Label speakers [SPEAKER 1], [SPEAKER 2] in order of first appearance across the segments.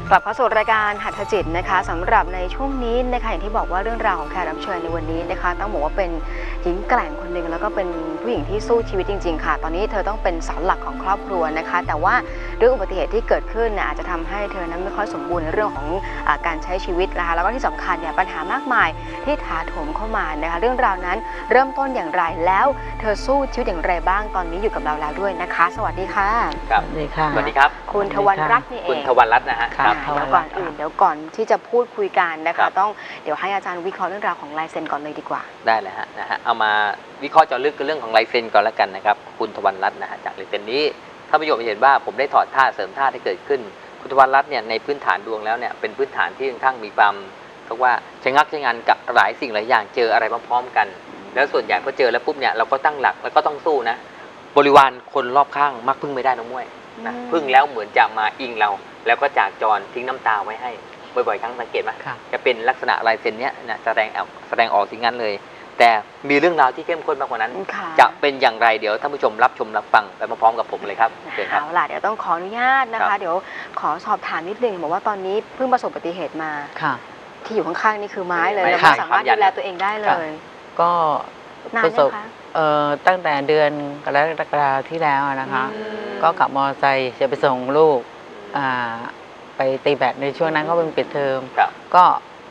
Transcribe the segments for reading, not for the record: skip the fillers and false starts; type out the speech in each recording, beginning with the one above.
[SPEAKER 1] กลับเข้าสู่รายการหัตถจิตนะคะสำหรับในช่วงนี้นะคะอย่างที่บอกว่าเรื่องราวของแขกรับเชิญในวันนี้นะคะต้องบอกว่าเป็นหญิงแกร่งคนหนึ่งแล้วก็เป็นผู้หญิงที่สู้ชีวิตจริงๆค่ะตอนนี้เธอต้องเป็นเสาหลักของครอบครัวนะคะแต่ว่าด้วยอุบัติเหตุที่เกิดขึ้นอาจจะทำให้เธอนั้นไม่ค่อยสมบูรณ์ในเรื่องของการใช้ชีวิตนะคะแล้วก็ที่สำคัญเนี่ยปัญหามากมายที่ถาโถมเข้ามานะคะเรื่องราวนั้นเริ่มต้นอย่างไรแล้วเธอสู้ชีวิตอย่างไรบ้างตอนนี้อยู่กับเราแล้วด้วยนะคะสวัสดีค่ะ
[SPEAKER 2] ครับสวัสดีค่ะสวัสดีครับ
[SPEAKER 1] คุณทวรรณรัตน์นี่เอง
[SPEAKER 2] คุณทวรรณรัตน์นะฮะ
[SPEAKER 1] ครับเดี๋ยวก่อนอื่นเดี๋ยวก่อนที่จะพูดคุยกันนะคะต้องเดี๋ยวให้อาจารย์วิเคราะห์เรื่องราวของลายเซ็นก่อนเลยดีกว่า
[SPEAKER 2] ได้เลยฮะเอามาวิเคราะห์เจาะลึกเรื่องของลายเซ็นก่อนแล้วกันนะครับคุณทวรรณรัตน์นะฮะจากลายเซ็นนี้ถ้าประโยชน์เห็นว่าผมได้ถอดท่าเสริมท่าที่เกิดขึ้นคุณทวรรณรัตน์เนี่ยในพื้นฐานดวงแล้วเนี่ยเป็นพื้นฐานที่ค่อนข้างมีความเรียกว่าใช้งักใช้งานกับหลายสิ่งหลายอย่างเจออะไรพร้อมๆกันแล้วส่วนใหญ่พอเจอแล้วปุ๊บเนี่ยเราก็ตั้งหลักแล้วก็ต้องสู้นะบริวารคนรอบข้างมักพึ่งไม่ได้น้องมวยนะพึ่งแล้วเหมือนจะมาอิงเราแล้วก็จากจรทิ้งน้ำตาไว้ให้บ่อยๆครั้งสังเกตไหมจะเป็นลักษณะลายเซ็นเนี้ยนะแสดงออกสิ่งนั้นเลยแต่มีเรื่องราวที่เข้มข้นมากกว่านั้นจะเป็นอย่างไรเดี๋ยวท่านผู้ชมรับชมรับฟังไปพร้อมๆกับผมเลยครับ
[SPEAKER 1] เอาล่ะเดี๋ยวต้องขออนุญาตนะคะเดี๋ยวขอสอบถามนิดนึงบอกว่าตอนนี้เพิ่งประสบอุบัติเหตุมาที่อยู่ข้างๆนี่คือไม้เลยแล้วไม่สามารถดูแลตัวเองได้เลย
[SPEAKER 3] ก็ประสบตั้งแต่เดือนกรกฎาคมที่แล้วนะคะก็ขับมอเตอร์ไซค์จะไปส่งลูกไปตีแบดในช่วงนั้นก็เป็นปิดเทอมก็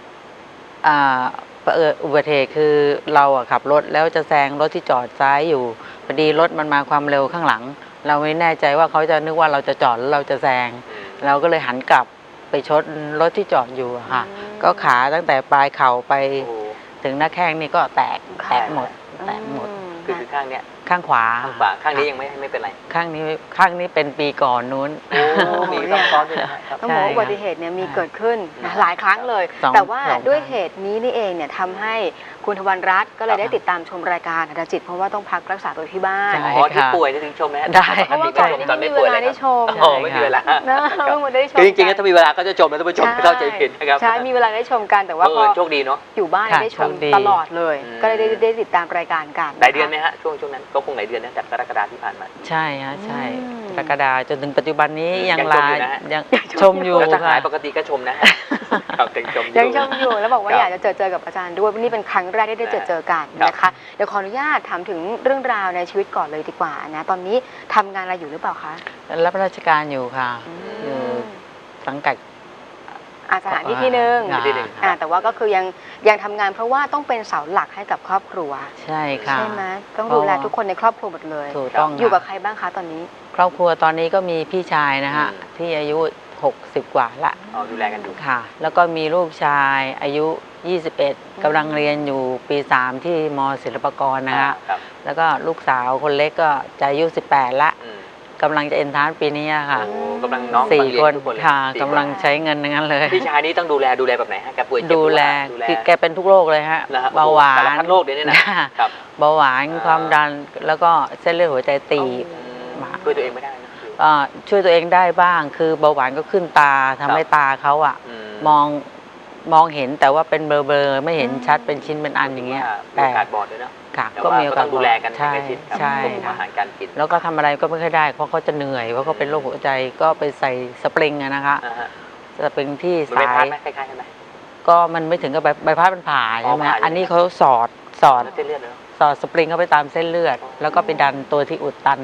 [SPEAKER 3] อุบัติเหตุคือเราขับรถแล้วจะแซงรถที่จอดซ้ายอยู่พอดีรถมันมาความเร็วข้างหลังเราไม่แน่ใจว่าเขาจะนึกว่าเราจะจอดแล้วเราจะแซงเราก็เลยหันกลับไปชนรถที่จอดอยู่ค่ะก็ขาตั้งแต่ปลายเข่าไปถึงหน้าแข้งนี่ก็แตกหมด
[SPEAKER 2] คือข้างเนี้ย
[SPEAKER 3] ข้างขวา
[SPEAKER 2] ข้างนี้ยังไม่เป็นไร
[SPEAKER 3] ข้างนี้เป็นปีก่อนนู้น
[SPEAKER 2] มีซ้อนด้วยนะครับ
[SPEAKER 1] ต้องบอกว่าอุบัติเหตุเนี่ยมีเกิดขึ้นหลายครั้งเลยแต่ว่าด้วยเหตุนี้นี่เองเนี่ยทำให้คุณทวรรณรัตน์ก็เลยได้ติดตามชมรายการหัตถจิตเพราะว่าต้องพักรักษาตัวที่บ้าน
[SPEAKER 2] ที่ป่วยถึงชมไหม
[SPEAKER 3] ได้
[SPEAKER 1] เพราะว่าก่อนนี้ไม่มีเวลาได้ชม
[SPEAKER 2] ไม่มีเวลา
[SPEAKER 1] ได้ชม
[SPEAKER 2] จริงๆถ้ามีเวลาก็จะชมแล้วท่านผู้ชมเข้าใจผิดนะครับ
[SPEAKER 1] ใช่มีเวลาได้ชมกันแต่ว่าพอ
[SPEAKER 2] โชคดีเนาะ
[SPEAKER 1] อยู่บ้านได้ชมตลอดเลยก็เลยได้ติดตามรายการกัน
[SPEAKER 2] หลายเดือนไหมฮะช่วงนั้นก็คงหลายเดือนนะจากกรกฎาคมที่ผ่านมา
[SPEAKER 3] ใช่ฮะใช่กรกฎาคมจนถึงปัจจุบันนี้ยังชมอยู่
[SPEAKER 2] ถ้าหายปกติก็ชมนะ
[SPEAKER 1] ยังชมอยู่แล้วบอกว่าอยากจะเจอกับอาจารย์ด้วยนี่เป็นครั้งแรกที่ได้เจอกันนะคะเดี๋ยวขออนุญาตถามถึงเรื่องราวในชีวิตก่อนเลยดีกว่านะตอนนี้ทำงานอะไรอยู่หรือเปล่าคะ
[SPEAKER 3] รับราชการอยู่ค่ะอยู่สังกัด
[SPEAKER 1] สถานที่ที่หนึ่งแต่ว่าก็คือยังทำงานเพราะว่าต้องเป็นเสาหลักให้กับครอบครัว
[SPEAKER 3] ใช่ค่ะ
[SPEAKER 1] ใช่ไหมต้องดูแลทุกคนในครอบครัวหมดเลย
[SPEAKER 3] ถูกต้อง
[SPEAKER 1] อยู่กับใครบ้างคะตอนนี้
[SPEAKER 3] ครอบครัวตอนนี้ก็มีพี่ชายนะฮะที่อายุ60กว่าละ
[SPEAKER 2] ดูแลกันอยู่
[SPEAKER 3] ค่ะแล้วก็มีลูกชายอายุ21กำลังเรียนอยู่ปี3ที่ม.ศิลปากรนะฮะแล้วก็ลูกสาวคนเล็กก็จะอายุ18ละกำลังจะเอ็นทรานซ์ปีนี้ค่ะ
[SPEAKER 2] กำลังน้อง
[SPEAKER 3] 4 คนค่ะกำลังใช้เงินนั้นเลย
[SPEAKER 2] พี่ชายนี้ต้องดูแลแบบไหนฮะแกป่วย
[SPEAKER 3] ดูแลคือแกเป็นทุกโรคเลยฮะเบาหวาน
[SPEAKER 2] โรคเดี๋ยวนี้นะ
[SPEAKER 3] เบาหวานความดันแล้วก็เส้นเลือดหัวใจตีบ
[SPEAKER 2] ช่วยตัวเองไม่ได้นะ
[SPEAKER 3] ช่วยตัวเองได้บ้างคือเบาหวานก็ขึ้นตาทำให้ตาเขามองเห็นแต่ว่าเป็นเบลอไม่เห็นชัดเป็นชิ้นเป็นอันอย่างเงี้ย
[SPEAKER 2] แต่โอกาสบอดด้วยเนาะ
[SPEAKER 3] ก็มีโอกาส
[SPEAKER 2] ดูแลกัน
[SPEAKER 3] ใช่ใช่
[SPEAKER 2] อาหารการกิน
[SPEAKER 3] แล้วก็ทำอะไรก็ไม่ค่อยได้เพราะเขาจะเหนื่อยเพราะเขาเป็นโรคหัวใจก็ไปใส่สปริงนะคะสปริงที่สาย
[SPEAKER 2] คล้ายๆใช่ไหม
[SPEAKER 3] ก็มันไม่ถึงกับใบพัดมันผ่าใช่ไหมอันนี้เขาสอดสปริงเข้าไปตามเส้นเลือดแล้วก็ไปดันตัวที่อุดตัน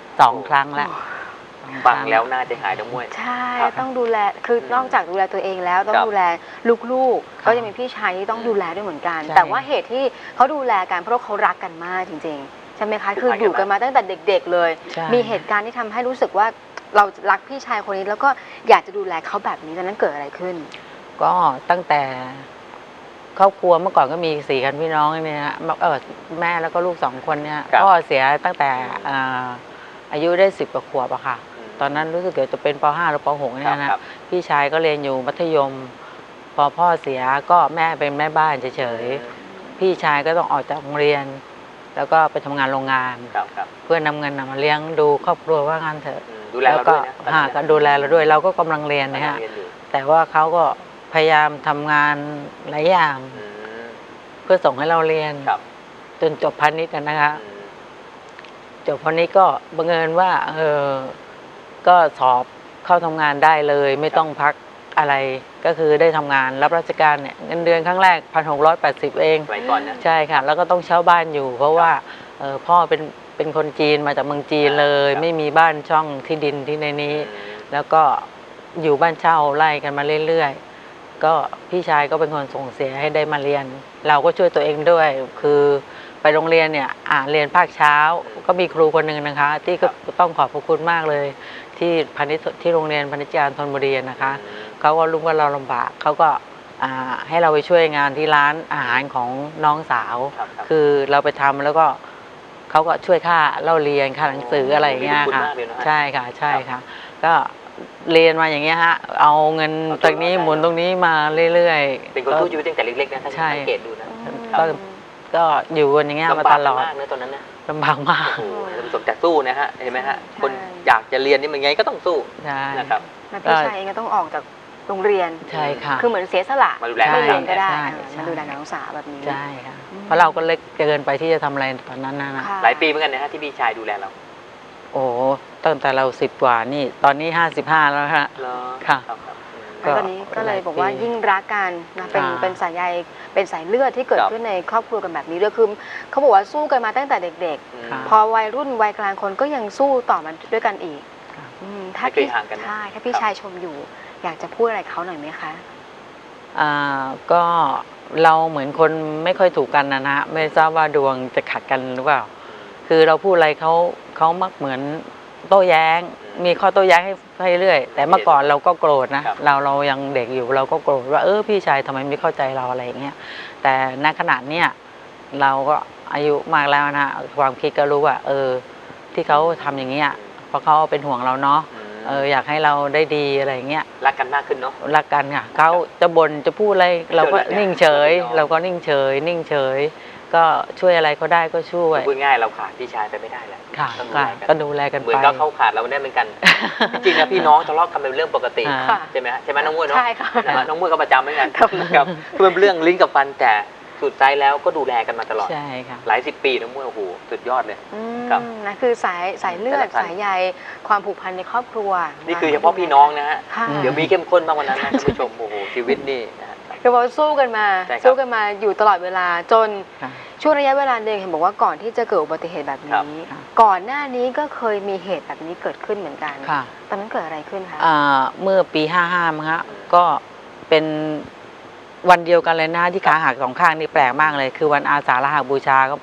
[SPEAKER 3] 2 ครั้งแล้ว
[SPEAKER 2] ฟังแล้วน่าจะหายทั้งมวย
[SPEAKER 1] ใช่ต้องดูแลคือนอกจากดูแลตัวเองแล้วต้องดูแลลูกๆก็จะมีพี่ชายที่ต้องดูแลด้วยเหมือนกันแต่ว่าเหตุที่เขาดูแลกันเพราะเขารักกันมากจริงๆใช่ไหมคะคืออยู่กันมาตั้งแต่เด็กๆเลยมีเหตุการณ์ที่ทำให้รู้สึกว่าเรารักพี่ชายคนนี้แล้วก็อยากจะดูแลเขาแบบนี้ตอนนั้นเกิดอะไรขึ้น
[SPEAKER 3] ก็ตั้งแต่ครอบครัวเมื่อก่อนก็มี4 คนพี่น้องเนี่ยฮะแม่แล้วก็ลูก2 คนเนี่ยพ่อเสียตั้งแต่อายุได้10 กว่าขวบอะค่ะตอนนั้นรู้สึกจะเป็นป.5 หรือป.6เนี่ยนะพี่ชายก็เรียนอยู่มัธยมพอพ่อเสียก็แม่เป็นแม่บ้านเฉยๆพี่ชายก็ต้องออกจากโรงเรียนแล้วก็ไปทำงานโรงงานเพื่อนำเงินมาเลี้ยงดูครอบครัวว่างานเถอะ
[SPEAKER 2] แล้วก็
[SPEAKER 3] ดูแลเราด้วยเราก็กำลังเรียนนะฮะแต่ว่าเขาก็พยายามทำงานหลายอย่างเพื่อส่งให้เราเรียนจนจบพาณิชย์นะคะจบพาณิชย์ก็บังเอิญว่าก็สอบเข้าทำงานได้เลยไม่ต้องพักอะไรก็คือได้ทำงานรับราชการเนี่ยเงินเดือนครั้งแรก1,680เอง
[SPEAKER 2] สมัยก่อนนะ
[SPEAKER 3] ใช่ค่ะแล้วก็ต้องเช่าบ้านอยู่ เพราะว่าพ่อเป็นคนจีนมาจากเมืองจีนเลย
[SPEAKER 2] ครับ
[SPEAKER 3] ไม่มีบ้านช่องที่ดินที่ในนี้ แล้วก็อยู่บ้านเช่าไล่กันมาเรื่อยๆก็พี่ชายก็เป็นคนส่งเสียให้ได้มาเรียน เราก็ช่วยตัวเองด้วยคือไปโรงเรียนเนี่ยเรียนภาคเช้าก็มีครูคนหนึ่งนะคะ ที่ก็ต้องขอบพระคุณมากเลย ที่ที่โรงเรียนพนิชยานธนบุรีนะคะเขาก็รู้ว่าเราลำบากเขาก็ให้เราไปช่วยงานที่ร้านอาหารของน้องสาว
[SPEAKER 2] ครับ
[SPEAKER 3] คือเราไปทำแล้วก็เขาก็ช่วยค่าเล่าเรียนค่าหนังสืออะไรอย่างเงี้ยค่ะใช่ค่ะใช่ค่ะก็เรียนมาอย่างเงี้ยฮะเอาเงินตรงนี้หมุนตรงนี้มาเรื่อยๆ
[SPEAKER 2] เป็นคนสู้ชีวิตตั้งแต่เล็กๆนะถ้าสังเกตดูนะ
[SPEAKER 3] ก็อยู่กันอย่างเงี้ยมาตลอด
[SPEAKER 2] ลำบากมากนะตอนนั้นนะ
[SPEAKER 3] ลำบากมาก
[SPEAKER 2] โอ้โหท่านผู้ชมแต่สู้นะฮะเห็นไหมฮะคนอยากจะเรียนนี่มันไงก็ต้องสู้
[SPEAKER 3] ใช่
[SPEAKER 2] นะครับ
[SPEAKER 1] แล้วพี่ชายเองก็ต้องออกจากโรงเรียน
[SPEAKER 3] ใช่ค่ะ
[SPEAKER 1] คือเหมือนเสียสละ
[SPEAKER 2] มาดูแล
[SPEAKER 1] ไม่เรียนก็ได้
[SPEAKER 3] ใช่
[SPEAKER 1] มาดูแลน้องสาวแบบนี้
[SPEAKER 3] ใช่ค่ะเพราะเราก็เล็กเกินไปที่จะทำอะไรตอนนั้นนะ
[SPEAKER 1] ค่ะ
[SPEAKER 2] หลายปีเหมือนกันนะฮะที่พี่ชายดูแลเรา
[SPEAKER 3] โอ้ตั้งแต่เรา10 กว่านี่ตอนนี้55แล้วฮะ
[SPEAKER 2] เหรอ
[SPEAKER 3] ค่ะ
[SPEAKER 2] ครับ
[SPEAKER 1] แล้วตอนนี้ก็เลยบอกว่ายิ่งรักกันนะเป็นสายใยเป็นสายเลือดที่เกิดขึ้นในครอบครัวกันแบบนี้ด้วยคือเขาบอกว่าสู้กันมาตั้งแต่เด็ก
[SPEAKER 3] ค่ะ
[SPEAKER 1] ๆ พอวัยรุ่นวัยกลางคนก็ยังสู้ต่อมันด้วยกันอีก
[SPEAKER 3] ค่ะ
[SPEAKER 1] ถ้า
[SPEAKER 2] ไม่เคย
[SPEAKER 1] พี่
[SPEAKER 2] ห่างกันนะ
[SPEAKER 1] ใช่ถ้าพี่ชายชมอยู่ อยากจะพูดอะไรเขาหน่อยไหมคะ
[SPEAKER 3] ก็เราเหมือนคนไม่ค่อยถูกกันนะฮะไม่ทราบว่าดวงจะขัดกันหรือเปล่า คือเราพูดอะไรเขามักเหมือนโต้แย้ง มีข้อโต้แย้งให้เรื่อย แต่เมื่อก่อนเราก็โกรธนะเรายังเด็กอยู่เราก็โกรธว่าพี่ชายทำไมไม่เข้าใจเราอะไรอย่างเงี้ยแต่ณขณะเนี้ยเราก็อายุมากแล้วนะความคิดก็รู้ว่าที่เขาทำอย่างเงี้ยเพราะเขาเป็นห่วงเราเนาะอยากให้เราได้ดีอะไรอย่างเงี้ย
[SPEAKER 2] รักกันมากขึ้นเนาะ
[SPEAKER 3] รักกันค่ะเขาจะบ่นจะพูดอะไรเราก็นิ่งเฉย
[SPEAKER 2] เออ
[SPEAKER 3] เราก็นิ่งเฉย นิ่งเฉย ก็ช่วยอะไรเขาได้ก็ช่วย
[SPEAKER 2] พูดง่ายเราขาดพี่ชายไปไม่ได้แหละ
[SPEAKER 3] ค่ะ
[SPEAKER 2] ต้องดู
[SPEAKER 3] ค่ะ
[SPEAKER 2] แลกัน
[SPEAKER 3] ก็ดูแลกัน
[SPEAKER 2] เหมือ
[SPEAKER 3] ไป
[SPEAKER 2] นก็เขาขาดเราได้เหมือนกัน จริงๆนะพี่น้องทะเลาะกันเป็นเรื่องปกติ
[SPEAKER 3] ค่ะ
[SPEAKER 2] ใช่ไหมฮะใช่ไหมน้องมุ้ยเนาะ
[SPEAKER 1] ใช่ค่ะ
[SPEAKER 2] นะฮะน้องมุ้ยก็ประจำเหมือนกัน
[SPEAKER 1] ครับ
[SPEAKER 2] ครับคือเป็นเรื่องลิ้นกับฟันแต่สุดท้ายแล้วก็ดูแลกันมาตลอด
[SPEAKER 3] ใช่ค่ะ
[SPEAKER 2] หลายสิบปีน้องมุ้ยโอ้โหสุดยอดเลย ครับ
[SPEAKER 1] นะคือสายเลือด
[SPEAKER 2] สายพันธุ์
[SPEAKER 1] สายใยความผูกพันในครอบครัว
[SPEAKER 2] นี่คือเฉพาะพี่น้องนะฮะ
[SPEAKER 1] ค่ะ
[SPEAKER 2] เดี๋ยวมีเข้มข้นมากกว่านั้นนะท่านผู้ชมโอ้โหชีวิตนี่นะฮะ
[SPEAKER 1] คือว่าสู้กันมา
[SPEAKER 2] ใช่ครับ
[SPEAKER 1] สู้กันมาอยู่ตลอดเวลาจน
[SPEAKER 3] ค่ะ
[SPEAKER 1] ช่วงระยะเวลาหนึ่งเห็นบอกว่าก่อนที่จะเกิดอุบัติเหตุแบบ
[SPEAKER 2] ครับ
[SPEAKER 1] นี้
[SPEAKER 3] ค่ะ
[SPEAKER 1] ก่อนหน้านี้ก็เคยมีเหตุแบบนี้เกิดขึ้นเหมือนกัน
[SPEAKER 3] ค่ะ
[SPEAKER 1] ตอนนั้นเกิดอะไรขึ้นคะ
[SPEAKER 3] เมื่อปี55มั้งฮะก็เป็นวันเดียวกันเลยนะที่ขาหัก2 ข้างนี่แปลกมากเลย คือวันอาสาฬหบูชาก็ปี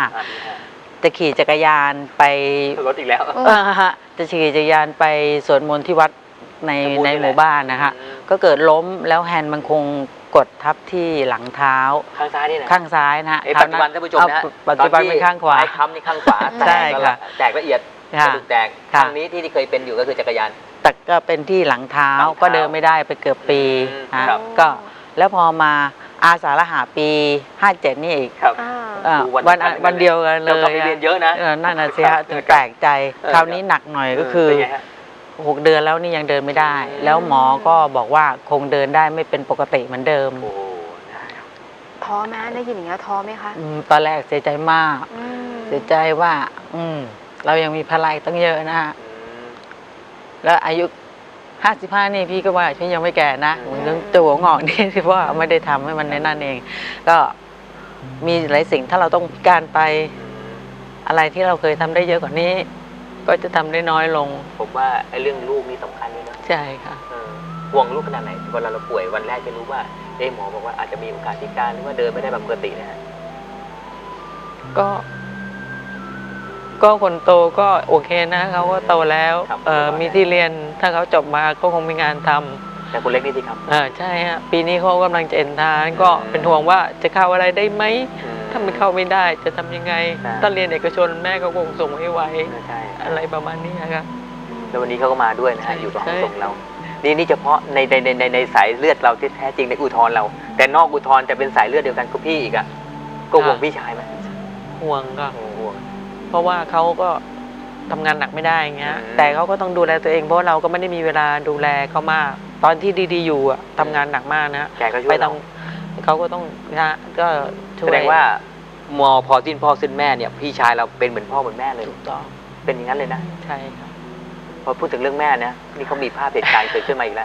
[SPEAKER 3] 55จะขี่จักรยานไป
[SPEAKER 2] รถอีกแล้ว
[SPEAKER 3] จะขี่จักรยานไปสวดมนต์ที่วัดใน
[SPEAKER 2] สมบูรณ์
[SPEAKER 3] ใน
[SPEAKER 2] นี่แหละ
[SPEAKER 3] หมู่บ้านนะคะ
[SPEAKER 2] อืม
[SPEAKER 3] ก็เกิดล้มแล้วแฮนด์มันคงกดทับที่หลังเท้า
[SPEAKER 2] ข้างซ้ายนี่นะ
[SPEAKER 3] ข้างซ้ายนะฮะ
[SPEAKER 2] ปัจจุบันท่านผู้ชมนะฮะ
[SPEAKER 3] ปัจจุบันเป็นข้างขวา
[SPEAKER 2] ไอ้ค้ำนี่ข้างขวา
[SPEAKER 3] ใช่ค่ะ
[SPEAKER 2] แตกละเอียดก
[SPEAKER 3] ค่ะ
[SPEAKER 2] ระดูกแตก
[SPEAKER 3] ค่ะ
[SPEAKER 2] ข้างนี้ที่เคยเป็นอยู่ก็คือจักรยาน
[SPEAKER 3] แต่ก็เป็นที่หลังเท้า
[SPEAKER 2] หลังเท้า
[SPEAKER 3] ก็เดินไม่ได้ไปเกือบปี
[SPEAKER 2] อืม
[SPEAKER 3] ฮะ
[SPEAKER 2] ครับ
[SPEAKER 3] ก็แล้วพอมาอาสาฬหาปี 57 นี่อีก
[SPEAKER 2] ครับ
[SPEAKER 3] วันเดียวกันเล
[SPEAKER 2] เรา
[SPEAKER 3] ย
[SPEAKER 2] ก็ไปเรียนเยอะนะ
[SPEAKER 3] นั่นน่ะสิ
[SPEAKER 2] ครั
[SPEAKER 3] ฮะ
[SPEAKER 2] บ
[SPEAKER 3] จนแปลกใจ
[SPEAKER 2] เออ
[SPEAKER 3] คราวนี้หนักหน่อยก็คือ
[SPEAKER 2] เป็นไงฮะ
[SPEAKER 3] 6 เดือนแล้วนี่ยังเดินไม่ได้
[SPEAKER 2] อืม
[SPEAKER 3] แล้วหมอก็บอกว่าคงเดินได้ไม่เป็นปกติเหมือนเดิม
[SPEAKER 2] โอ้โห
[SPEAKER 1] ท้อไหมได้ยินอย่างนี้ยท้อไหมคะ
[SPEAKER 3] ตอนแรกเสียใจมาก
[SPEAKER 1] อืม
[SPEAKER 3] เสียใจว่า เรายังมีพลังตั้งเยอะนะฮะ
[SPEAKER 2] อืม
[SPEAKER 3] แล้วอายุ 55 นี่พี่ก็ว่าพี่ยังไม่แก่นะ
[SPEAKER 2] อืม
[SPEAKER 3] เหมือนตัวหัวงอกนี่ที่ว่าไม่ได้ทำให้มันในนั่นเอง ก็มีหลายสิ่งถ้าเราต้องพิการไปอะไรที่เราเคยทำได้เยอะกว่านี้ ก็จะทำได้น้อยลง
[SPEAKER 2] ผมว่าไอ้เรื่องลูกนี่สำคัญด้วยนะ
[SPEAKER 3] ใช่ค่ะ
[SPEAKER 2] ห่วงลูกขนาดไหนเวลาเราป่วยวันแรกจะรู้ว่าหมอบอกว่าอาจจะมีโอกาสพิการหรือว่าเดินไม่ได้แบบปกตินะฮะ
[SPEAKER 3] ก็คนโตก็โอเคนะเขาก็โตแล้ว
[SPEAKER 2] ครับ
[SPEAKER 3] มีที่เรียนถ้าเขาจบมาก็คงมีงานทำ
[SPEAKER 2] แต่คนเล็กนี่สิครับ
[SPEAKER 3] ใช่ฮะปีนี้เขากำลังจะเอ็นทานก็เป็นห่วงว่าจะเข้าอะไรได้ไหมถ้ามันเข้าไม่ได้จะทำยังไง
[SPEAKER 2] ใช่
[SPEAKER 3] ถ้าเรียนเอกชนแม่ก็คงส่งให้ไว
[SPEAKER 2] ใช่
[SPEAKER 3] อะไรประมาณนี้ครับ
[SPEAKER 2] แล้ววันนี้เขาก็มาด้วยนะ
[SPEAKER 3] ใช่
[SPEAKER 2] ฮะอยู่กับห้อง
[SPEAKER 3] ใช่
[SPEAKER 2] ส่งเรา นี่เฉพาะในสายเลือดเราที่แท้จริงในอุทธรเรา แต่นอกอุทธรจะเป็นสายเลือดเดียวกันกับพี่อีกอ่ะก็ห่วงพี่ชายไหม
[SPEAKER 3] ห่วงก็
[SPEAKER 2] ห่วง
[SPEAKER 3] เพราะว่าเขาก็ทำงานหนักไม่ได้อย่างเงี้ย
[SPEAKER 2] อืม
[SPEAKER 3] แต่เขาก็ต้องดูแลตัวเองเพราะเราก็ไม่ได้มีเวลาดูแลเขามาก ตอนที่ดีๆอยู่อะทำงานหนักมากนะ
[SPEAKER 2] แกก็ช่
[SPEAKER 3] ไป
[SPEAKER 2] วยเรา
[SPEAKER 3] เขาก็ต้องนะก็ช่วย
[SPEAKER 2] แสดงว่าพอสิ้นพ่อสิ้นแม่เนี่ยพี่ชายเราเป็นเหมือนพ่อเหมือนแม่เลย
[SPEAKER 3] ถูกต้อง
[SPEAKER 2] เป็นอย่างนั้นเลยนะ
[SPEAKER 3] ใช่ค่ะ
[SPEAKER 2] พอพูดถึงเรื่องแม่นะนี่เขามีภาพเหตุการณ์เกิดขึ้นมาอีกแล้ว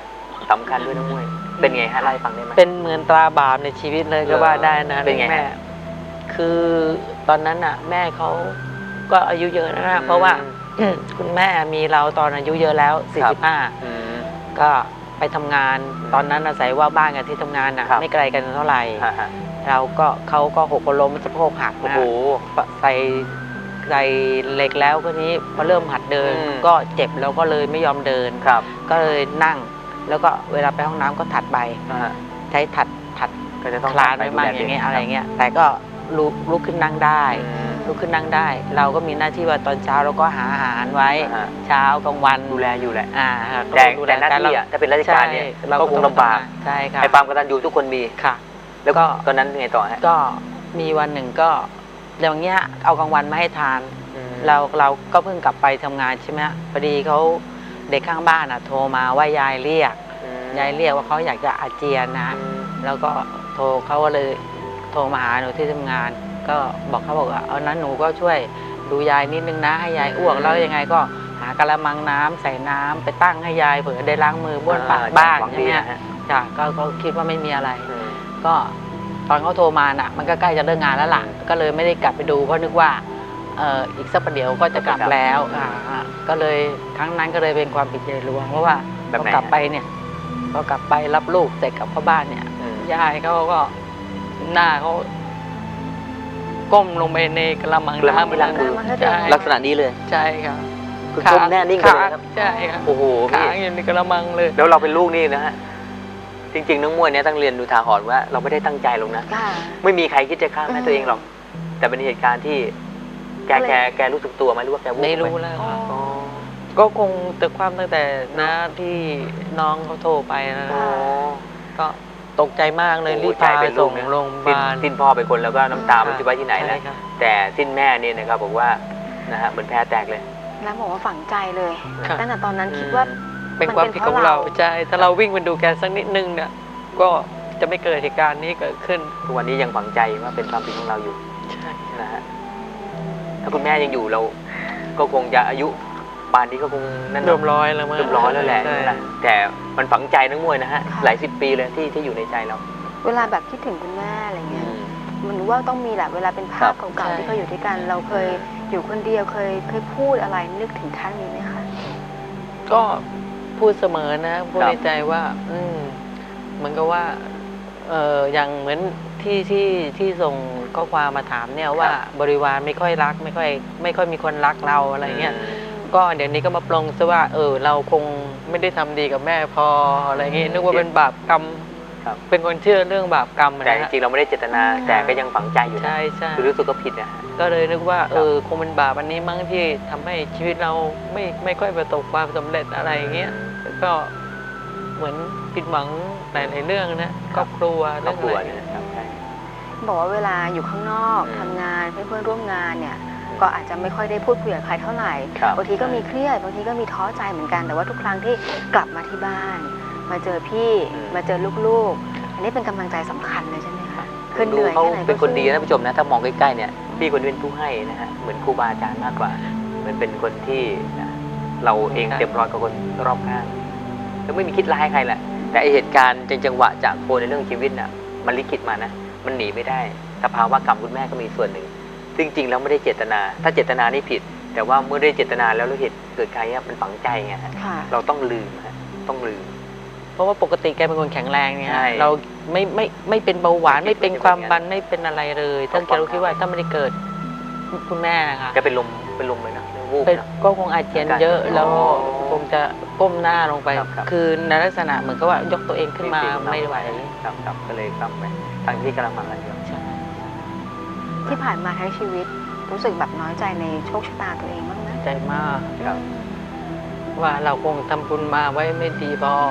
[SPEAKER 2] สำคัญด้วยน้องมวยเป็นไงฮะไล่าให้ฟังได้ไหม
[SPEAKER 3] เป็นเหมือนตราบาปในชีวิตเลยก็ว่าได้นะ
[SPEAKER 2] เป็นไงฮะ
[SPEAKER 3] แม่คือตอนนั้นน่ะ แม่เขาก็อายุเยอะนะเพราะว่า คุณแม่มีเราตอนอายุเยอะแล้ว 45
[SPEAKER 2] อืม
[SPEAKER 3] ก็ไปทำงานตอนนั้นอาศัยว่าบ้านกับที่ทำงานน่ะ
[SPEAKER 2] ครับ
[SPEAKER 3] ไม่ไกลกันเท่าไหร่
[SPEAKER 2] ฮะ
[SPEAKER 3] เราก็เขาก็หกล้มสะโพกหัก
[SPEAKER 2] โอ้
[SPEAKER 3] นะ
[SPEAKER 2] โห
[SPEAKER 3] ใส่เหล็กแล้วก็นี้พอเริ่มหัดเดิน
[SPEAKER 2] อืม
[SPEAKER 3] ก็เจ็บแล้วก็เลยไม่ยอมเดิน
[SPEAKER 2] ครับ
[SPEAKER 3] ก็เลยนั่ง แล้วก็เวลาไปห้องน้ำก็ถัดไป
[SPEAKER 2] ฮะ
[SPEAKER 3] ใช้ถัด
[SPEAKER 2] ก็จะต้อง
[SPEAKER 3] คลานไปมากอย่างเงี้ยอะไรเงี้ยแต่ก็ลุกขึ้นนั่งได้ ลุกขึ้นนั่งได้ เราก็มีหน้าที่ว่าตอนเช้าเราก็หาอาหารไว้ เช้ากลางวัน
[SPEAKER 2] ดูแลอยู่แหละ
[SPEAKER 3] ก็
[SPEAKER 2] แต่
[SPEAKER 3] ดูแล
[SPEAKER 2] แต่หน้าที่อะถ้าเป็นราชการเนี่ย
[SPEAKER 3] ใช่
[SPEAKER 2] ก็คงลำบาก
[SPEAKER 3] ใช่ค่ะ
[SPEAKER 2] ไอ้ความกตัญญูทุกคนมี
[SPEAKER 3] ค่ะ
[SPEAKER 2] แล้ว
[SPEAKER 3] ก็
[SPEAKER 2] ตอนนั้นไงต่อฮะ
[SPEAKER 3] ก็มีวันหนึ่งก็อย่างเงี้ยเอากลางวันมาให้ทาน
[SPEAKER 2] อืม
[SPEAKER 3] เราก็เพิ่งกลับไปทำงานใช่ไหมพอดีเขาเด็กข้างบ้านโทรมาว่ายายเรียก
[SPEAKER 2] อืม
[SPEAKER 3] ยายเรียกว่าเขาอยากจะอาเจียนนะ
[SPEAKER 2] อืม
[SPEAKER 3] แล้วก็เขาก็เลยโทรมาหาหนูที่ทำงาน ก็เขาบอกว่าเอานั้นหนูก็ช่วยดูยายนิดนึงนะให้ยายอ้วกแล้วยังไงก็หากระมังน้ำใส่น้ำไปตั้งให้ยายเผื่อได้ล้างมือบ้วนปากบ้าง
[SPEAKER 2] หวัง
[SPEAKER 3] ใช่
[SPEAKER 2] ดี
[SPEAKER 3] ไหม
[SPEAKER 2] นะฮะ
[SPEAKER 3] จ้ะก็คิดว่าไม่มีอะไร
[SPEAKER 2] อืม
[SPEAKER 3] ก็ตอนเขาโทรมาน่ะ มันก็ใกล้จะเลิกงานแล้วล่ะ ก็เลยไม่ได้กลับไปดูเพราะนึกว่าอีกสักประเดี๋ยวก็จะกลับแล้วก็เลยครั้งนั้นก็เลยเป็นความผิดใหญ่หลวงเพราะว่า
[SPEAKER 2] แบบไหน
[SPEAKER 3] พอกลับไปเนี่ยพอกลับไปรับลูกเสร็จกลับเข้าบ้านเนี่ย
[SPEAKER 2] อืม
[SPEAKER 3] ยายเขาก็หน้าเขาก้มลงไปในกระมัง
[SPEAKER 2] กระมัง
[SPEAKER 3] น้ำ
[SPEAKER 2] ที่ล้างมือ
[SPEAKER 3] ใช่
[SPEAKER 2] ลักษณะนี้เลย
[SPEAKER 3] ใช่ครับ
[SPEAKER 2] คือก้มแน่นิ่งไปเลยครับ
[SPEAKER 3] ใช่ครับ
[SPEAKER 2] โอ้โหพี่
[SPEAKER 3] ค้างอยู่ในกระมังเลย
[SPEAKER 2] แล้วเราเป็นลูกนี่นะฮะ จริงๆน้องมวยเนี่ยต้องเรียนดูทาหรณ์ว่าเราไม่ได้ตั้งใจลงนะ
[SPEAKER 1] ค่ะ
[SPEAKER 2] ไม่มีใครคิดจะฆ่าแม่ตัวเองหรอก แต่เป็นเหตุการณ์ที่แกรู้สึกตัวไหมหรือว่าแกวูบ
[SPEAKER 3] ไม่รู้
[SPEAKER 2] ป
[SPEAKER 3] แล้ว
[SPEAKER 1] อ๋อ
[SPEAKER 2] อ๋อ
[SPEAKER 3] ก็คงแต่ความตั้งแต่นะที่น้องเขาโทรไปนะ
[SPEAKER 2] อ๋อ
[SPEAKER 3] ก็ตกใจมากเลย
[SPEAKER 2] โอ้โห
[SPEAKER 3] รีบพา
[SPEAKER 2] ใจ
[SPEAKER 3] ไป
[SPEAKER 2] เป็นลู
[SPEAKER 3] ส่
[SPEAKER 2] ก
[SPEAKER 3] ง
[SPEAKER 2] นะ
[SPEAKER 3] โรงพยาบาล
[SPEAKER 2] สิ้นพ่อไปคนแล้วก็น้ำตามันจะไว้ที่ไหนแล้ว
[SPEAKER 3] ใช่ครับ
[SPEAKER 2] แต่สิ้นแม่เนี่ยนะครับบอกว่านะฮะเหมือนแพ้แตกเลย
[SPEAKER 1] แล้วบอกว่าฝังใจเลย
[SPEAKER 3] ครับ
[SPEAKER 1] ตั้งแต่ตอนนั้นคิดว่า
[SPEAKER 3] เป็นความผิดของเรา
[SPEAKER 1] มันเป็นเพราะเรา
[SPEAKER 3] ใช่ถ้าเราวิ่งไปดูแกสักนิดนึงเนี่ยก็จะไม่เกิดเหตุการณ์นี้เกิดขึ้น
[SPEAKER 2] ทุกวันนี้ยังฝังใจว่าเป็นความผิดของเราอยู่
[SPEAKER 3] ใช่
[SPEAKER 2] นะฮะถ้าคุณแม่ยังอยู่เราก็คงจะอายุป่านนี้ก็คงนั่น
[SPEAKER 3] รวมร้อยแล้วมั้ง
[SPEAKER 2] เรียบร้อยแล้วแหละ
[SPEAKER 3] ใช่
[SPEAKER 2] นั่นแหละแต่มันฝังใจนักมวยนะฮะ
[SPEAKER 1] ค่ะ
[SPEAKER 2] หลายสิบปีเลยที่อยู่ในใจเรา
[SPEAKER 1] เวลาแบบคิดถึงคุณแม่อะไรเงี้ยมันรู้ว่าต้องมีแหละเวลาเป็นภาพ
[SPEAKER 2] ครับ
[SPEAKER 1] เก่าๆที่เขาอยู่ด้วยกัน เราเคยอยู่คนเดียวเคยพูดอะไรนึกถึงท่านนี้ไหมคะ
[SPEAKER 3] ก็พูดเสมอนะพูด
[SPEAKER 2] ครับ
[SPEAKER 3] ในใจว่า เหมือนกับว่าอย่างเหมือนที่ส่งข้อความมาถามเนี่ยว่าบริวารไม่ค่อยรักไม่ค่อยมีคนรักเราอะไรเงี้ย ก็เดี๋ยวนี้ก็มาปลงซะว่าเราคงไม่ได้ทำดีกับแม่พออะไรเงี้ยนึกว่าเป็นบาปกรรม
[SPEAKER 2] ครับ
[SPEAKER 3] เป็นคนเชื่อเรื่องบาปกรรม
[SPEAKER 2] แต่
[SPEAKER 3] นะ
[SPEAKER 2] จ
[SPEAKER 3] ฮะ
[SPEAKER 2] ริงๆเราไม่ได้เจตนา แต่ก็ยังฝังใจอยู่นะ
[SPEAKER 3] ใช่ใช่
[SPEAKER 2] คือรู้สึกก็ผิดนะฮะ
[SPEAKER 3] ก็เลยนึกว่า
[SPEAKER 2] ครับ
[SPEAKER 3] คงเป็นบาปอันนี้มั้งที่ทำให้ชีวิตเราไม่ค่อยประสบความสำเร็จอะไรอย่างเงี้ยแล้วก็เหมือนผิดหวังหลายๆเรื่องนะครอบครัว
[SPEAKER 2] ครอบครัว
[SPEAKER 3] เรื่
[SPEAKER 2] เนี่
[SPEAKER 3] อง
[SPEAKER 2] ย
[SPEAKER 3] อะไร
[SPEAKER 2] ครับใช่
[SPEAKER 1] บอกว่าเวลาอยู่ข้างนอก
[SPEAKER 2] อืม
[SPEAKER 1] ทำงานเพื่อนๆร่วมงานเนี่ยก็อาจจะไม่ค่อยได้พูดคุยกับใครเท่าไหร่
[SPEAKER 2] ครับ
[SPEAKER 1] บางทีก็มีเครียดบางทีก็มีท้อใจเหมือนกัน แต่ว่าทุกครั้งที่กลับมาที่บ้าน มาเจอพี่มาเจอลูกๆ อันนี้เป็นกำลังใจสำคัญเลยใช่ไหมคะคือเห
[SPEAKER 2] ดู
[SPEAKER 1] นื่อย
[SPEAKER 2] เขา
[SPEAKER 1] แค่ไหนก็
[SPEAKER 2] เป็นคนดี
[SPEAKER 1] สู้
[SPEAKER 2] นะท่านผู้ชมนะถ้ามองใกล้ๆเนี่ยพี่คนนี้เป็นผู้ให้นะฮะเหมือนครูบาอาจารย์มากกว่า เหมือนเป็นคนที่นะเราเองเต็มร้อยกับคนรอบข้างแล้วไม่มีคิดร้ายใครแหละแต่ไอเหตุการณ์จังหวะจากโคนในเรื่องชีวิตน่ะมันลิขิตมานะมันหนีไม่ได้แต่ภาวะกรรมคุณแม่ก็มีส่วนหนึ่งซึ่งจริงๆแล้วไม่ได้เจตนา ถ้าเจตนานี่ผิด แต่ว่าเมื่อได้เจตนาแล้วเราเหตุเกิดใครเนี่ยมันฝังใจไงฮะ
[SPEAKER 1] ค่ะ
[SPEAKER 2] เราต้องลืมฮะต้องลืม
[SPEAKER 3] เพราะว่าปกติแกเป็นคนแข็งแรงเนี่ย
[SPEAKER 2] ใช่
[SPEAKER 3] เราไม่เป็นเบาหวาน
[SPEAKER 2] ไม่
[SPEAKER 3] ไม่
[SPEAKER 2] คิ
[SPEAKER 3] เป็
[SPEAKER 2] ด
[SPEAKER 3] น
[SPEAKER 2] ว่า
[SPEAKER 3] ความ
[SPEAKER 2] จะเป็น
[SPEAKER 3] ดันไม่เป็นอะไรเลยถ้า
[SPEAKER 2] ต้อง
[SPEAKER 3] เราคิดว่า
[SPEAKER 2] ฟัง
[SPEAKER 3] ถ้าไม่ได้เกิดคุณแม่นะคะ
[SPEAKER 2] แกเป็นลมเลยนะวูบ
[SPEAKER 3] เป็น
[SPEAKER 2] นะ
[SPEAKER 3] ก็คงอาเจียนเยอะ
[SPEAKER 2] อาการ
[SPEAKER 3] แล้ว
[SPEAKER 2] อ๋อ
[SPEAKER 3] คงจะก้มหน้าลงไป
[SPEAKER 2] ครับ
[SPEAKER 3] คือในลักษณะเหมือนกับว่ายกตัวเองขึ้นมาไม่ไหว
[SPEAKER 2] ครับก็เลยกลับไปทางที่กำลังมากันอยู่
[SPEAKER 3] ใช่
[SPEAKER 1] ที่ผ่านมาทั้งชีวิตรู้สึกแบบน้อยใจในโชคชะตาตัวเองบ้างไหม
[SPEAKER 3] ใจมาก
[SPEAKER 2] ครับ
[SPEAKER 3] ว่าเราคงทำบุญมาไว้ไม่ดีพอ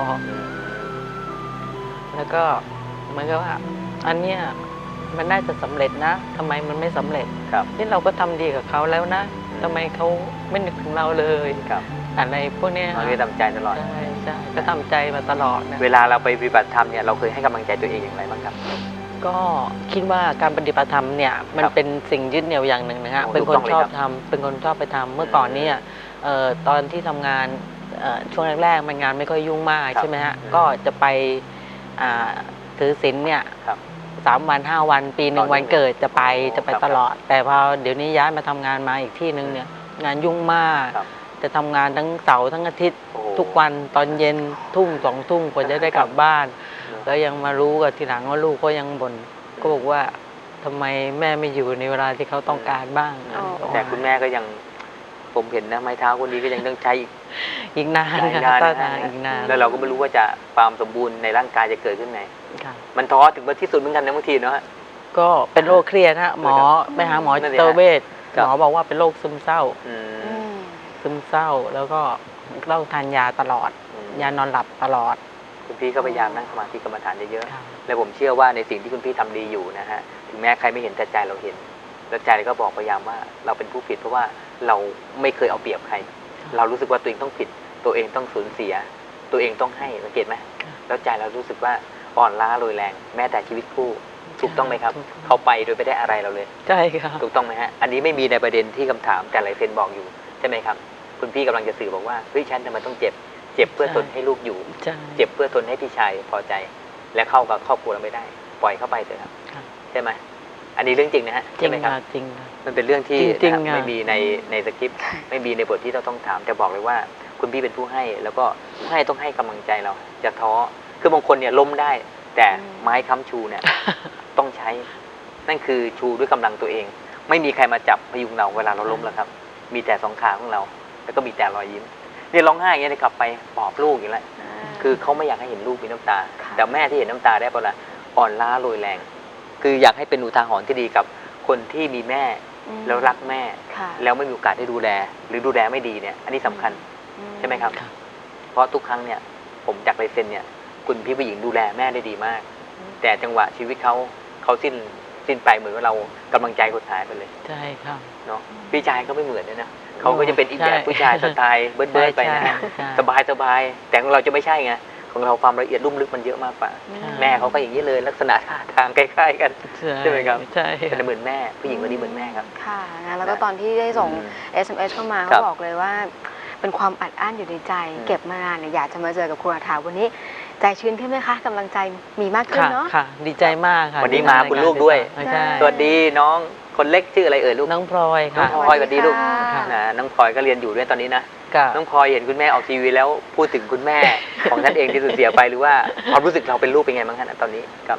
[SPEAKER 3] แล้วก็เหมือนกับว่า อันเนี้ยมันน่าจะสำเร็จนะทำไมมันไม่สำเร็จ
[SPEAKER 2] ครับ
[SPEAKER 3] ที่เราก็ทำดีกับเขาแล้วนะทำไมเขาไม่นึกถึงเราเลย
[SPEAKER 2] ครับ
[SPEAKER 3] อะไรพวกเนี้ย
[SPEAKER 2] เราได้ทำใจตลอด
[SPEAKER 3] ใช่ใช่ก็ทำใจมาตลอดนะ
[SPEAKER 2] เวลาเราไปปฏิบัติธรรมเนี่ยเราเคยให้กำลังใจตัวเองอย่างไรบ้างครับ
[SPEAKER 3] ก็คิดว่าการปฏิบัติธรรมเนี่ยมัน
[SPEAKER 2] ครับ
[SPEAKER 3] เป็นสิ่งยึดเหนี่ยวอย่างหนึ่งนะฮะ
[SPEAKER 2] โอ้
[SPEAKER 3] เป็น
[SPEAKER 2] ถูก
[SPEAKER 3] คน
[SPEAKER 2] ต้องเลย
[SPEAKER 3] ชอบ
[SPEAKER 2] ครับ
[SPEAKER 3] ทำเป็นคนชอบไปทำเมื่อก่อนเนี่ยตอนที่ทำงานช่วงแรกๆมันงานไม่ค่อยยุ่งมาก
[SPEAKER 2] ครับ
[SPEAKER 3] ใช่ไหมฮะก็จะไปถือศีลเนี่ย
[SPEAKER 2] ครับ
[SPEAKER 3] 3 วัน 5 วันปีหนึ่
[SPEAKER 2] ต่
[SPEAKER 3] ง
[SPEAKER 2] อเนื่อง
[SPEAKER 3] วันเกิดจะไป
[SPEAKER 2] ครับ
[SPEAKER 3] ตลอด แต่พอเดี๋ยวนี้ย้ายมาทำงานมาอีกที่หนึ่งเนี่ยงานยุ่งมาก
[SPEAKER 2] ครับ
[SPEAKER 3] จะทำงานทั้งเสาร์ทั้งอาทิตย์
[SPEAKER 2] โอ้
[SPEAKER 3] ทุกวันตอนเย็นทุ่ม2 ทุ่มกว่าจะได้กลับบ้าน
[SPEAKER 2] ครับ
[SPEAKER 3] แล้วยังมารู้กับทีหลังว่าลูกก็ยังบ่นก็บอกว่าทำไมแม่ไม่อยู่ในเวลาที่เขาต้องการบ้าง
[SPEAKER 1] อ๋อ
[SPEAKER 2] แต่คุณแม่ก็ยังผมเห็นนะไม้เท้าคนนี้ก็ยังต้องใช้
[SPEAKER 3] อีกนาน
[SPEAKER 2] หลาย
[SPEAKER 3] ค่ะ
[SPEAKER 2] นาน
[SPEAKER 3] ต้อ
[SPEAKER 2] นะ
[SPEAKER 3] นาน
[SPEAKER 2] ฮะ
[SPEAKER 3] อีกนาน
[SPEAKER 2] แล้วเราก็ไม่รู้ว่าจะความสมบูรณ์ในร่างกายจะเกิดขึ้นไหน
[SPEAKER 3] ค่ะ
[SPEAKER 2] มันท้อถึงที่สุดเหมือนกันนะบางทีเนาะ
[SPEAKER 3] ก็เป็นโรคเครียดฮะหมอไปหาหมอ
[SPEAKER 2] นั่
[SPEAKER 3] จิ
[SPEAKER 2] นสิฮะ
[SPEAKER 3] ตเวช
[SPEAKER 2] ครับ
[SPEAKER 3] หมอบอกว่าเป็นโรคซึมเศร้า
[SPEAKER 2] อื
[SPEAKER 1] อื
[SPEAKER 2] ม
[SPEAKER 1] ม
[SPEAKER 3] ซึมเศร้าแล้วก็ต้องทานยาตลอด ยานอนหลับตลอด
[SPEAKER 2] คุณพี่ก็พยายามนั่งสมาธิกรรมฐานเยอะ
[SPEAKER 3] ค่ะ
[SPEAKER 2] ๆและผมเชื่อว่าในสิ่งที่คุณพี่ทำดีอยู่นะฮะถึงแม้ใครไม่เห็นแต่ใจเราเห็นแล้วใจก็บอกพยายามว่าเราเป็นผู้ผิดเพราะว่าเราไม่เคยเอาเปรียบใคร เรารู้สึกว่าตัวเองต้องผิด ตัวเองต้องสูญเสีย ตัวเองต้องให้สังเกตไหมแล้วใจเรารู้สึกว่าอ่อนล้าโรยแรง แม้แต่ชีวิตคู่ถูกต้องไหมครับ
[SPEAKER 3] ถูกต้อง
[SPEAKER 2] เขาไปโดยไม่ได้อะไรเราเลย
[SPEAKER 3] ใช่ค่ะ
[SPEAKER 2] ถูกต้องไหมฮะอันนี้ไม่มีในประเด็นที่คำถามแต่หลายเซนบอกอยู่ใช่ไหมครับคุณพี่กำลังจะสื่อบอกว่าเฮ้ยฉันทำไมต้องเจ็บ เจ็บเพื่อทนให้ลูกอยู่
[SPEAKER 3] ใช่
[SPEAKER 2] เจ็บเพื่อทนให้พี่ชายพอใจ และเข้ากับครอบครัวเราไม่ได้ ปล่อยเข้าไปเถอะครับ
[SPEAKER 3] ค่ะ
[SPEAKER 2] ใช่ไหมอันนี้เรื่องจริงนะฮะ
[SPEAKER 3] จริ
[SPEAKER 2] ใช่
[SPEAKER 3] ง
[SPEAKER 2] ไหมครับ
[SPEAKER 3] ค่ะจริงค่ะ
[SPEAKER 2] มันเป็นเรื่องที่
[SPEAKER 3] จริงๆ
[SPEAKER 2] นะครับ
[SPEAKER 3] อะ
[SPEAKER 2] ไม่มีในสคริปต์ไม่มีในบทที่เราต้องถามแต่บอกเลยว่า คุณพี่เป็นผู้ให้ แล้วก็ผู้ให้ต้องให้กำลังใจเราจะท้อคือบางคนเนี่ยล้มได้ แต่ไม้ค้ำชูเนี่ย ต้องใช้ นั่นคือชูด้วยกำลังตัวเอง ไม่มีใครมาจับพยุงเราเวลาเราล้มแล้วครับ มีแต่สองขาของเรา แล้วก็มีแต่รอยยิ้มเนี่ยร้องไห้อย่างเงี้ยเลยกลับไปปลอบลูกอย่างไรคือเขาไม่อยากให้เห็นลูกมีน้ำตา
[SPEAKER 1] ค่ะ
[SPEAKER 2] แต่แม่ที่เห็นน้ำตาได้เพราะอะไรอ่อนล้าโรยแรง คืออยากให้เป็นอุทาหรณ์ที่ดีกับคนที่มีแม่
[SPEAKER 1] อืม
[SPEAKER 2] แล้วรักแม่
[SPEAKER 1] ค่ะ
[SPEAKER 2] แล้วไม่มีโอกาสได้ดูแล หรือดูแลไม่ดีเนี่ยอันนี้สำคัญ ใช่ไหมครับ
[SPEAKER 3] ค่ะ
[SPEAKER 2] เพราะทุกครั้งเนี่ยผมจากลายเซ็นเนี่ยคุณพี่ผู้หญิงดูแลแม่ได้ดีมาก แต่จังหวะชีวิตเขาสิ้นไปเหมือนว่าเรากำลังใจคนหายไปเลย
[SPEAKER 3] ใช่ค่ะ
[SPEAKER 2] เนาะพี่ชายเขาไม่เหมือนเลยนะเขาก็จะเป็นอีกแบบผู้ชายสไตล์เบิร์ดๆไปนะ
[SPEAKER 3] ใช่ใช่
[SPEAKER 2] สบายแต่ของเราจะไม่ใช่ไงของเราความละเอียดลุ่มลึกมันเยอะมากกว่า
[SPEAKER 1] อื
[SPEAKER 2] แม่เขาก็อย่างนี้เลยลักษณะท่าทางคล้ายๆกัน ใช่ไหมครับ
[SPEAKER 3] ใช่
[SPEAKER 2] แต่เหมือนแม่ผู้หญิงคนนี้เหมือนแม่ครับ
[SPEAKER 1] ค่ะนะแล้วก็ตอนที่ได้ส่ง SMS เข้ามา
[SPEAKER 2] ครั
[SPEAKER 1] เขา
[SPEAKER 2] บ
[SPEAKER 1] บอกเลยว่า เป็นความอัดอั้นอยู่ในใจ
[SPEAKER 2] อืม
[SPEAKER 1] เก็บมานานเนี่ยอยากจะมาเจอกับครูอาถาวันนี้ ใจชื้นขึ้นไหมคะกำลังใจมีมากขึ้น
[SPEAKER 3] ค่ะ
[SPEAKER 1] เนาะ
[SPEAKER 3] ค่ะ ดีใจมากค่ะ
[SPEAKER 2] วันนี้มาคุณลูกด้วย
[SPEAKER 3] ใช่
[SPEAKER 2] สวัสดีน้องคนเล็กชื่ออะไรเอ่ยลูก
[SPEAKER 3] น้องพลอย
[SPEAKER 2] น้อง
[SPEAKER 3] ค่ะ
[SPEAKER 2] พลอยสวัสดีลูก
[SPEAKER 1] ค่ะ
[SPEAKER 2] นะน้องพลอยก็เรียนอยู่ด้วยตอนนี้นะ
[SPEAKER 3] ก็
[SPEAKER 2] น้องพลอยเห็นคุณแม่ออกทีวีแล้วพูดถึงคุณแม่ ของท่านเองที่สูญเสียไปหรือว่าความรู้สึกเราเป็นลูกเป็นไงบ้างคะณตอนนี้ครับ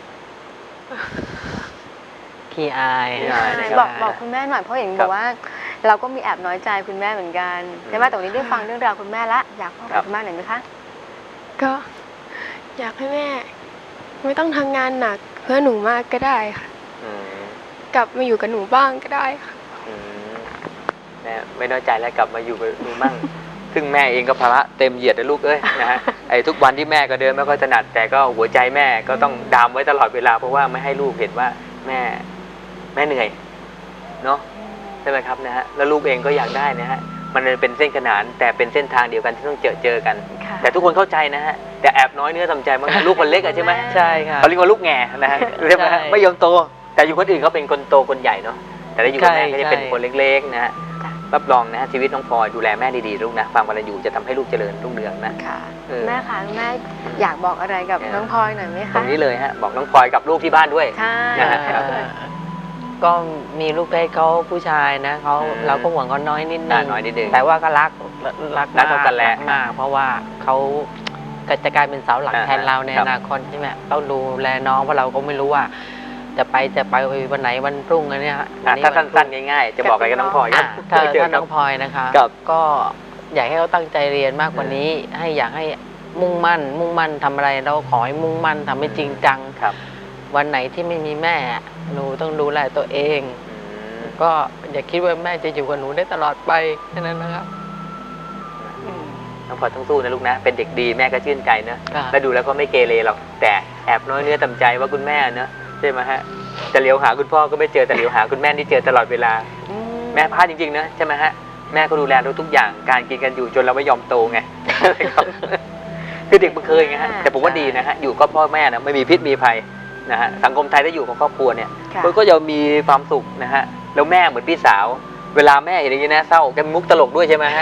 [SPEAKER 3] ขี้อาย
[SPEAKER 2] ขี้อายนะครับ
[SPEAKER 1] บอกคุณแม่หน่อยเพราะเห็น
[SPEAKER 2] ครับ
[SPEAKER 1] บอกว่า เราก็มีแอบน้อยใจคุณแม่เหมือนกันใช่ไหมแต่วันนี้ได้ฟังเรื่องราวคุณแม่ละอยากบอก
[SPEAKER 2] ครับ
[SPEAKER 1] คุณแม่หน่อยไหมคะ
[SPEAKER 4] ก็อยากให้แม่ ไม่ต้องทำงานหนักเพื่อหนูมากก็ได้ค่ะ
[SPEAKER 2] อืม
[SPEAKER 4] กลับมาอยู่กับหนูบ้างก็ได้ค่ะ
[SPEAKER 2] อืมแม่ไม่น้อยใจแล้วกลับมาอยู่กับหนูมั่ง ซึ่งแม่เองก็ภาระเต็มเหยียดนะลูกเอ้ยนะฮะไอ้ทุกวันที่แม่ก็เดินไม่ค่อยถนัดแต่ก็หัวใจแม่ก็ต้องดามไว้ตลอดเวลาเพราะว่าไม่ให้ลูกเห็นว่าแม่เหนื่อยเนาะใช่ไหมครับนะฮะแล้วลูกเองก็อยากได้นะฮะมันเป็นเส้นขนานแต่เป็นเส้นทางเดียวกันที่ต้องเจอกัน
[SPEAKER 1] ค่ะ
[SPEAKER 2] แต่ทุกคนเข้าใจนะฮะแต่แอบน้อยเนื้อทำใจบางลูกคนเล็กอะใช่ไหม
[SPEAKER 3] ใช่ค่ะ
[SPEAKER 2] เขาเรียกว่าลูกแง่นะฮะใช่ไหมฮะ
[SPEAKER 3] ใช่
[SPEAKER 2] ไม่ยอมโต แต่อยู่คนอื่นเขาเป็นคนโตคนใหญ่เนาะแต่ถ้าอยู่กับแม่ก็จะเป็นคนเล็กๆนะฮะ
[SPEAKER 1] จ้ะ
[SPEAKER 2] รับรองนะฮะชีวิตน้องพลอยดูแลแม่ดีๆลูกนะความกตัญญูจะทำให้ลูกเจริญรุ่งเรืองนะ
[SPEAKER 1] ค่ะ
[SPEAKER 2] เออ
[SPEAKER 1] แม่คะแม่อยากบอกอะไรกับน้องพลอยหน่อยไหม
[SPEAKER 2] ตร
[SPEAKER 1] คะ
[SPEAKER 2] งนี้เลยฮะบอกน้องพลอยกับลูกที่บ้านด้วย
[SPEAKER 1] ใช่
[SPEAKER 2] นะฮะ
[SPEAKER 1] ค่ะ
[SPEAKER 3] ก็มีลูกเพศเขาผู้ชายนะเขา
[SPEAKER 2] อืม
[SPEAKER 3] เราก็ห่วงเขาน้อยนิดนึง
[SPEAKER 2] น้อยนิดนึง
[SPEAKER 3] แต่ว่าก็รัก
[SPEAKER 2] รักเท่ากันแหละ
[SPEAKER 3] รัมากเพราะว่าเขาก็จะกลายเป็นเสาหลักแทนเราใน
[SPEAKER 2] ครั
[SPEAKER 3] อบ นาคตใช่ไหมต้องดูแลน้องเพราะเราก็ไม่รู้ว่า จะไปวันไหนวันพรุ่งอันเนี้ย
[SPEAKER 2] ถ้าสั้นๆง่ายๆ จะบอกอะไรกับน้องพลอยค
[SPEAKER 3] อ่ะ
[SPEAKER 2] รับ
[SPEAKER 3] ถ้า
[SPEAKER 2] เจอ
[SPEAKER 3] ถ้า
[SPEAKER 2] ค
[SPEAKER 3] น้
[SPEAKER 2] รั
[SPEAKER 3] อบ งพลอยนะคะ
[SPEAKER 2] ครับ
[SPEAKER 3] ก็อยากให้เขาตั้งใจเรียนมากกว่านี้ อยากให้มุ่งมั่นทำอะไรเราขอให้มุ่งมั่นทำให้จริงจัง
[SPEAKER 2] ครับ
[SPEAKER 3] วันไหนที่ไม่มีแม่หนูต้องดูแลตัวเอง
[SPEAKER 2] อืม
[SPEAKER 3] ก็อย่าคิดว่าแม่จะอยู่กับหนูได้ตลอดไปแค่นั้นนะครับ
[SPEAKER 2] น้องพลอยต้องสู้นะลูกนะ เป็นเด็กดีแม่ก็ชื่นใจนะ
[SPEAKER 3] ค่ะ
[SPEAKER 2] แล้วดูแล้วก็ไม่เกเรหรอกแต่แอบน้อยเนื้อต่ำใจว่าคุณแม่เนอะใช่ไหมฮะจะเลี้ยวหาคุณพ่อก็ไม่เจอแต่เลี้ยวหาคุณแม่ที่เจอตลอดเวลา แม่พลาดจริงๆนะใช่ไหมฮะแม่ก็ดูแลเราทุกอย่างการกินกันอยู่จนเราไม่ยอมโตไง ครับคือเด็กมันเคยไงฮะแต่ผมว่าดีนะฮะอยู่ก็พ่อแม่นะไม่มีพิษมีภัยนะฮะสังคมไทยถ้าอยู่กับครอบครัวเนี่ย
[SPEAKER 1] ค่ะ
[SPEAKER 2] มันก็จะมีความสุขนะฮะแล้วแม่เหมือนพี่สาว เวลาแม่เห็นอย่างนี้นะเศร้าแกมีมุกตลกด้วยใช่ไหมฮะ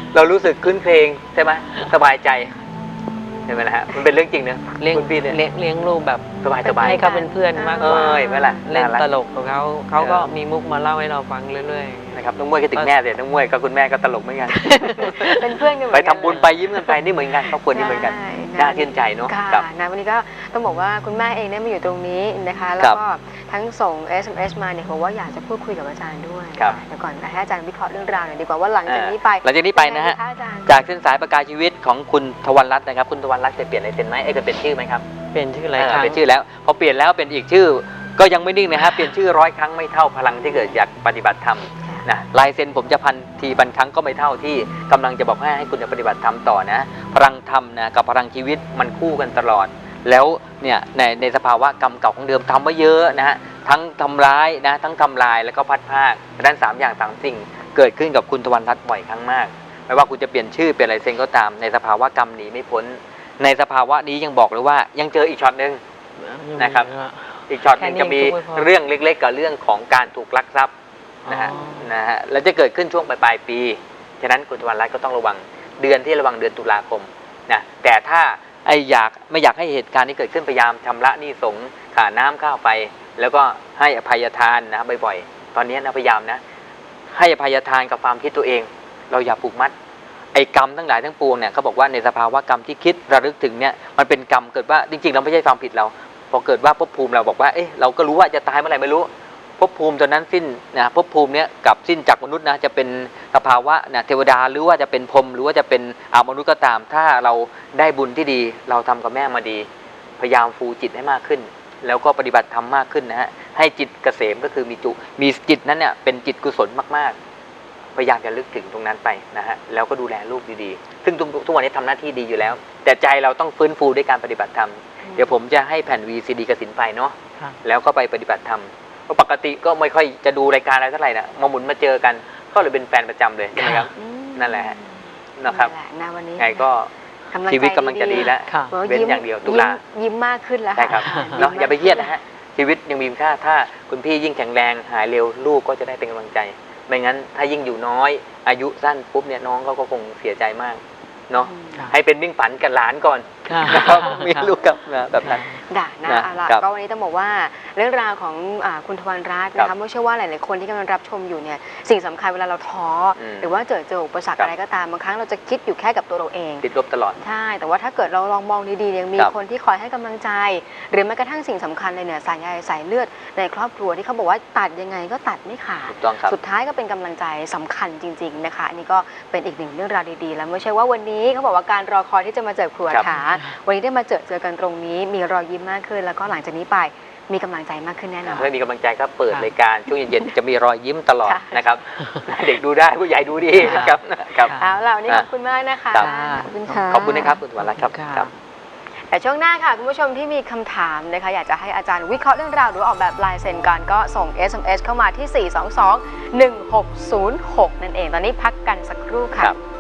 [SPEAKER 2] เรารู้สึกคืนเพลงใช่ไหมสบายใจใช่ไหมล่ะฮะมันเป็นเรื่องจริงนะ
[SPEAKER 3] เลี้ยง
[SPEAKER 2] คุณพี่เนี่ย
[SPEAKER 3] เลี้ยงลูกแบบ
[SPEAKER 2] สบายสบาย
[SPEAKER 3] ให้เขาเป็นเพื่อนมากกว่า
[SPEAKER 2] เห็นไหมล่ะ
[SPEAKER 3] เล่น
[SPEAKER 2] น่ารัก
[SPEAKER 3] ตลกของเขาก็มีมุกมาเล่าให้เราฟังเรื่อย
[SPEAKER 2] นะครับน้องมวยก็ถึงแม่เสียน้องมวยกับคุณแม่ก็ตลกเหมือนกัน
[SPEAKER 1] เป็นเพื่อนกันเหมื
[SPEAKER 2] ไป
[SPEAKER 1] อนกัน
[SPEAKER 2] ทำบุญไปยิ้มกันไปนี่เหมือนกันครอบครัวนี่เหมือนกัน
[SPEAKER 1] ใช่
[SPEAKER 2] น่าชื่นใจเนาะ
[SPEAKER 1] ค่ะ
[SPEAKER 2] ครับ
[SPEAKER 1] นะวันนี้ก็ต้องบอกว่าคุณแม่เองได้มาอยู่ตรงนี้นะคะ แล้วก็ทั้งส่ง SMS มาเนี่ยบอกว่าอยากจะพูดคุยกับอาจารย์ด้วย
[SPEAKER 2] ครับ
[SPEAKER 1] เดี๋ยวก่อนให้อาจารย์วิเคราะห์เรื่องราวหน่อยดีกว่าว่าหลังจากนี้ไป
[SPEAKER 2] หลังจากนี้ไปนะฮะ
[SPEAKER 1] ยังงดีคอาจารย์
[SPEAKER 2] จากเส้นสายประกายชีวิตของคุณทวันรัตน์นะครับคุณทวันรัตน์จะเปลี่ยนอะไรเป็นไหมเคยเปลี่ยนชื่อไหมครับ
[SPEAKER 3] ๆ เป็นชื่ออะไรครั้ง
[SPEAKER 2] เป็นชื่อแล้วพอเปลี่ยนแล้วเป็นอีกชื่อ ก็ยังไม่นิ่งนะฮะเปลี่ยนชื่อ100 ครั้งไม่เท่าพลังที่เกิดจากปฏิบัติธรรมนะลายเซ็นผมจะพันทีพันครั้งก็ไม่เท่าที่กำลังจะบอกให้คุณปฏิบัติธรรมต่อนะพลังธรรมนะกับพลังชีวิตมันคู่กันตลอด แล้วเนี่ยในสภาวะกรรมเก่าของเดิมทำมาเยอะนะฮะทั้งทำร้ายนะทั้งทำลายแล้วก็พัดภาคด้าน3 อย่าง3 สิ่งเกิดขึ้นกับคุณทวันรัตน์บ่อยครั้งมากไม่ว่าคุณจะเปลี่ยนชื่อเปลี่ยนลายเซ็นก็ตามในสภาวะกรรมหนีไม่พ้นในสภาวะนี้ยังบอกเลยว่ายังเจออีกช็อตหนึ่ง นะครับ อีกช็อตหนึงจะมีเรื่องเล็กๆกับเรื่องของการถูกลักทรัพย์นะฮะแล้วจะเกิดขึ้นช่วงปลายปีฉะนั้นคุณทวันรัตน์ก็ต้องระวังเดือนที่ระวังเดือนตุลาคมนะแต่ถ้าไม่อยากให้เหตุการณ์นี้เกิดขึ้นพยายามชำระหนี้สงฆ์ค่าน้ำค่าไฟแล้วก็ให้อภัยทานนะบ่อยๆตอนนี้นะพยายามนะให้อภัยทานกับความคิดตัวเองเราอย่าผูกมัดไอ้กรรมทั้งหลายทั้งปวงเนี่ยเขาบอกว่าในสภาวะกรรมที่คิดระลึกถึงเนี่ยมันเป็นกรรมเกิดว่าจริงๆเราไม่ใช่ความผิดเราพอเกิดว่าภพภูมิเราบอกว่าเราก็รู้ว่าจะตายเมื่อไหร่ไม่รู้ภพภูมิตอนนั้นสิ้นนะภพภูมิเนี้ยกับสิ้นจากมนุษย์นะจะเป็นสภาวะนะเทวดาหรือว่าจะเป็นพรหมหรือว่าจะเป็นมนุษย์ก็ตาม ถ้าเราได้บุญที่ดีเราทำกับแม่มาดีพยายามฟูจิตให้มากขึ้น แล้วก็ปฏิบัติธรรมมากขึ้นนะฮะให้จิตเกษมก็คือมีจิตนั้นเนี่ยเป็นจิตกุศลมากๆพยายามจะลึกถึงตรงนั้นไปนะฮะแล้วก็ดูแลลูกดีๆซึ่งทุกวันนี้ทำหน้าที่ดีอยู่แล้ว แต่ใจเราต้องฟื้นฟูด้วยการปฏิบัติธรรมเดี๋ยวผมจะให้แผ่น VCD กสินไปเนาะแล้วก็ไปปฏิบัติธรรมเพราะปกติก็ไม่ค่อยจะดูรายการอะไรเท่าไหร่นะมาหมุนมาเจอกันก็เลยเป็นแฟนประจำเลยใช่ไหมครับนั่นแหละนะครับ
[SPEAKER 1] นะวันนี้
[SPEAKER 2] ไงก็ชีวิตกำลังจะดีแล้ว
[SPEAKER 3] ค่ะ
[SPEAKER 2] เว้นอย่างเดียวตุลา
[SPEAKER 1] ยิ้มมากขึ้นแล้ว
[SPEAKER 2] ใช่ครับเนาะอย่าไปเครียดนะฮะชีวิตยังมีค่าถ้าคุณพี่ยิ่งแข็งแรงหายเร็วลูกก็จะได้เป็นกำลังใจไม่งั้นถ้ายิ่งอยู่น้อยอายุสั้นปุ๊บเนี่ยน้องก็คงเสียใจมากเนาะให้เป็นมิ่งฝันกับหลานก่อนนะครับมีลูกกับแบบนั้น
[SPEAKER 1] ด่านะเอาล่ะก็วันนี้ต้องบอกว่าเรื่องราวของคุณทวันรัตน์นะคะไม่เชื่อว่าหลายๆคนที่กำลังรับชมอยู่เนี่ยสิ่งสำคัญเวลาเราท้อหรือว่าเจออุปสรรคอะไรก็ตามบางครั้งเราจะคิดอยู่แค่กับตัวเราเอง
[SPEAKER 2] ติดลบตลอด
[SPEAKER 1] ใช่แต่ว่าถ้าเกิดเราลองมองดีๆยังมีคนที่คอยให้กำลังใจหรือแม้กระทั่งสิ่งสำคัญเลยเนี่ยสายใยสายเลือดในครอบครัวที่เขาบอกว่าตัดยังไงก็ตัดไม่ขาด
[SPEAKER 2] ถูกต้องครับ
[SPEAKER 1] สุดท้ายก็เป็นกำลังใจสำคัญจริงๆนะคะอันนี้ก็เป็นอีกหนึ่งเรื่องราวดีๆแล้วไม่ใช่ว่าวันนี้เขาบอกว่าการรอคอยที่จะมาเจอครัวถาวันนี้ได้มาเจอกันตรงนี้มีรอยยิ้มมากขึ้นแล้วก็หลังจากนี้ไปมีกำลังใจมากขึ้นแน่นอน
[SPEAKER 2] ไม่มีกำลังใจก็เปิดรายการช่วงเย็นๆจะมีรอยยิ้มตลอดนะครับเด็กดูได้ผู้ใหญ่ดูดีนะครับ
[SPEAKER 1] เอาล่ะวันนี้ขอบคุณมากนะคะ
[SPEAKER 2] ข
[SPEAKER 1] ขอบคุณค่ะ
[SPEAKER 2] ขอบคุณนะครับคุณทวันรัตน์ครับ
[SPEAKER 1] แต่ช่วงหน้าค่ะคุณผู้ชมที่มีคำถามนะคะอยากจะให้อาจารย์วิเคราะห์เรื่องราวหรือออกแบบลายเซ็นกันก็ส่ง SMS เข้ามาที่ 422-1606 นั่นเองตอนนี้พักกันสักครู่ค่ะ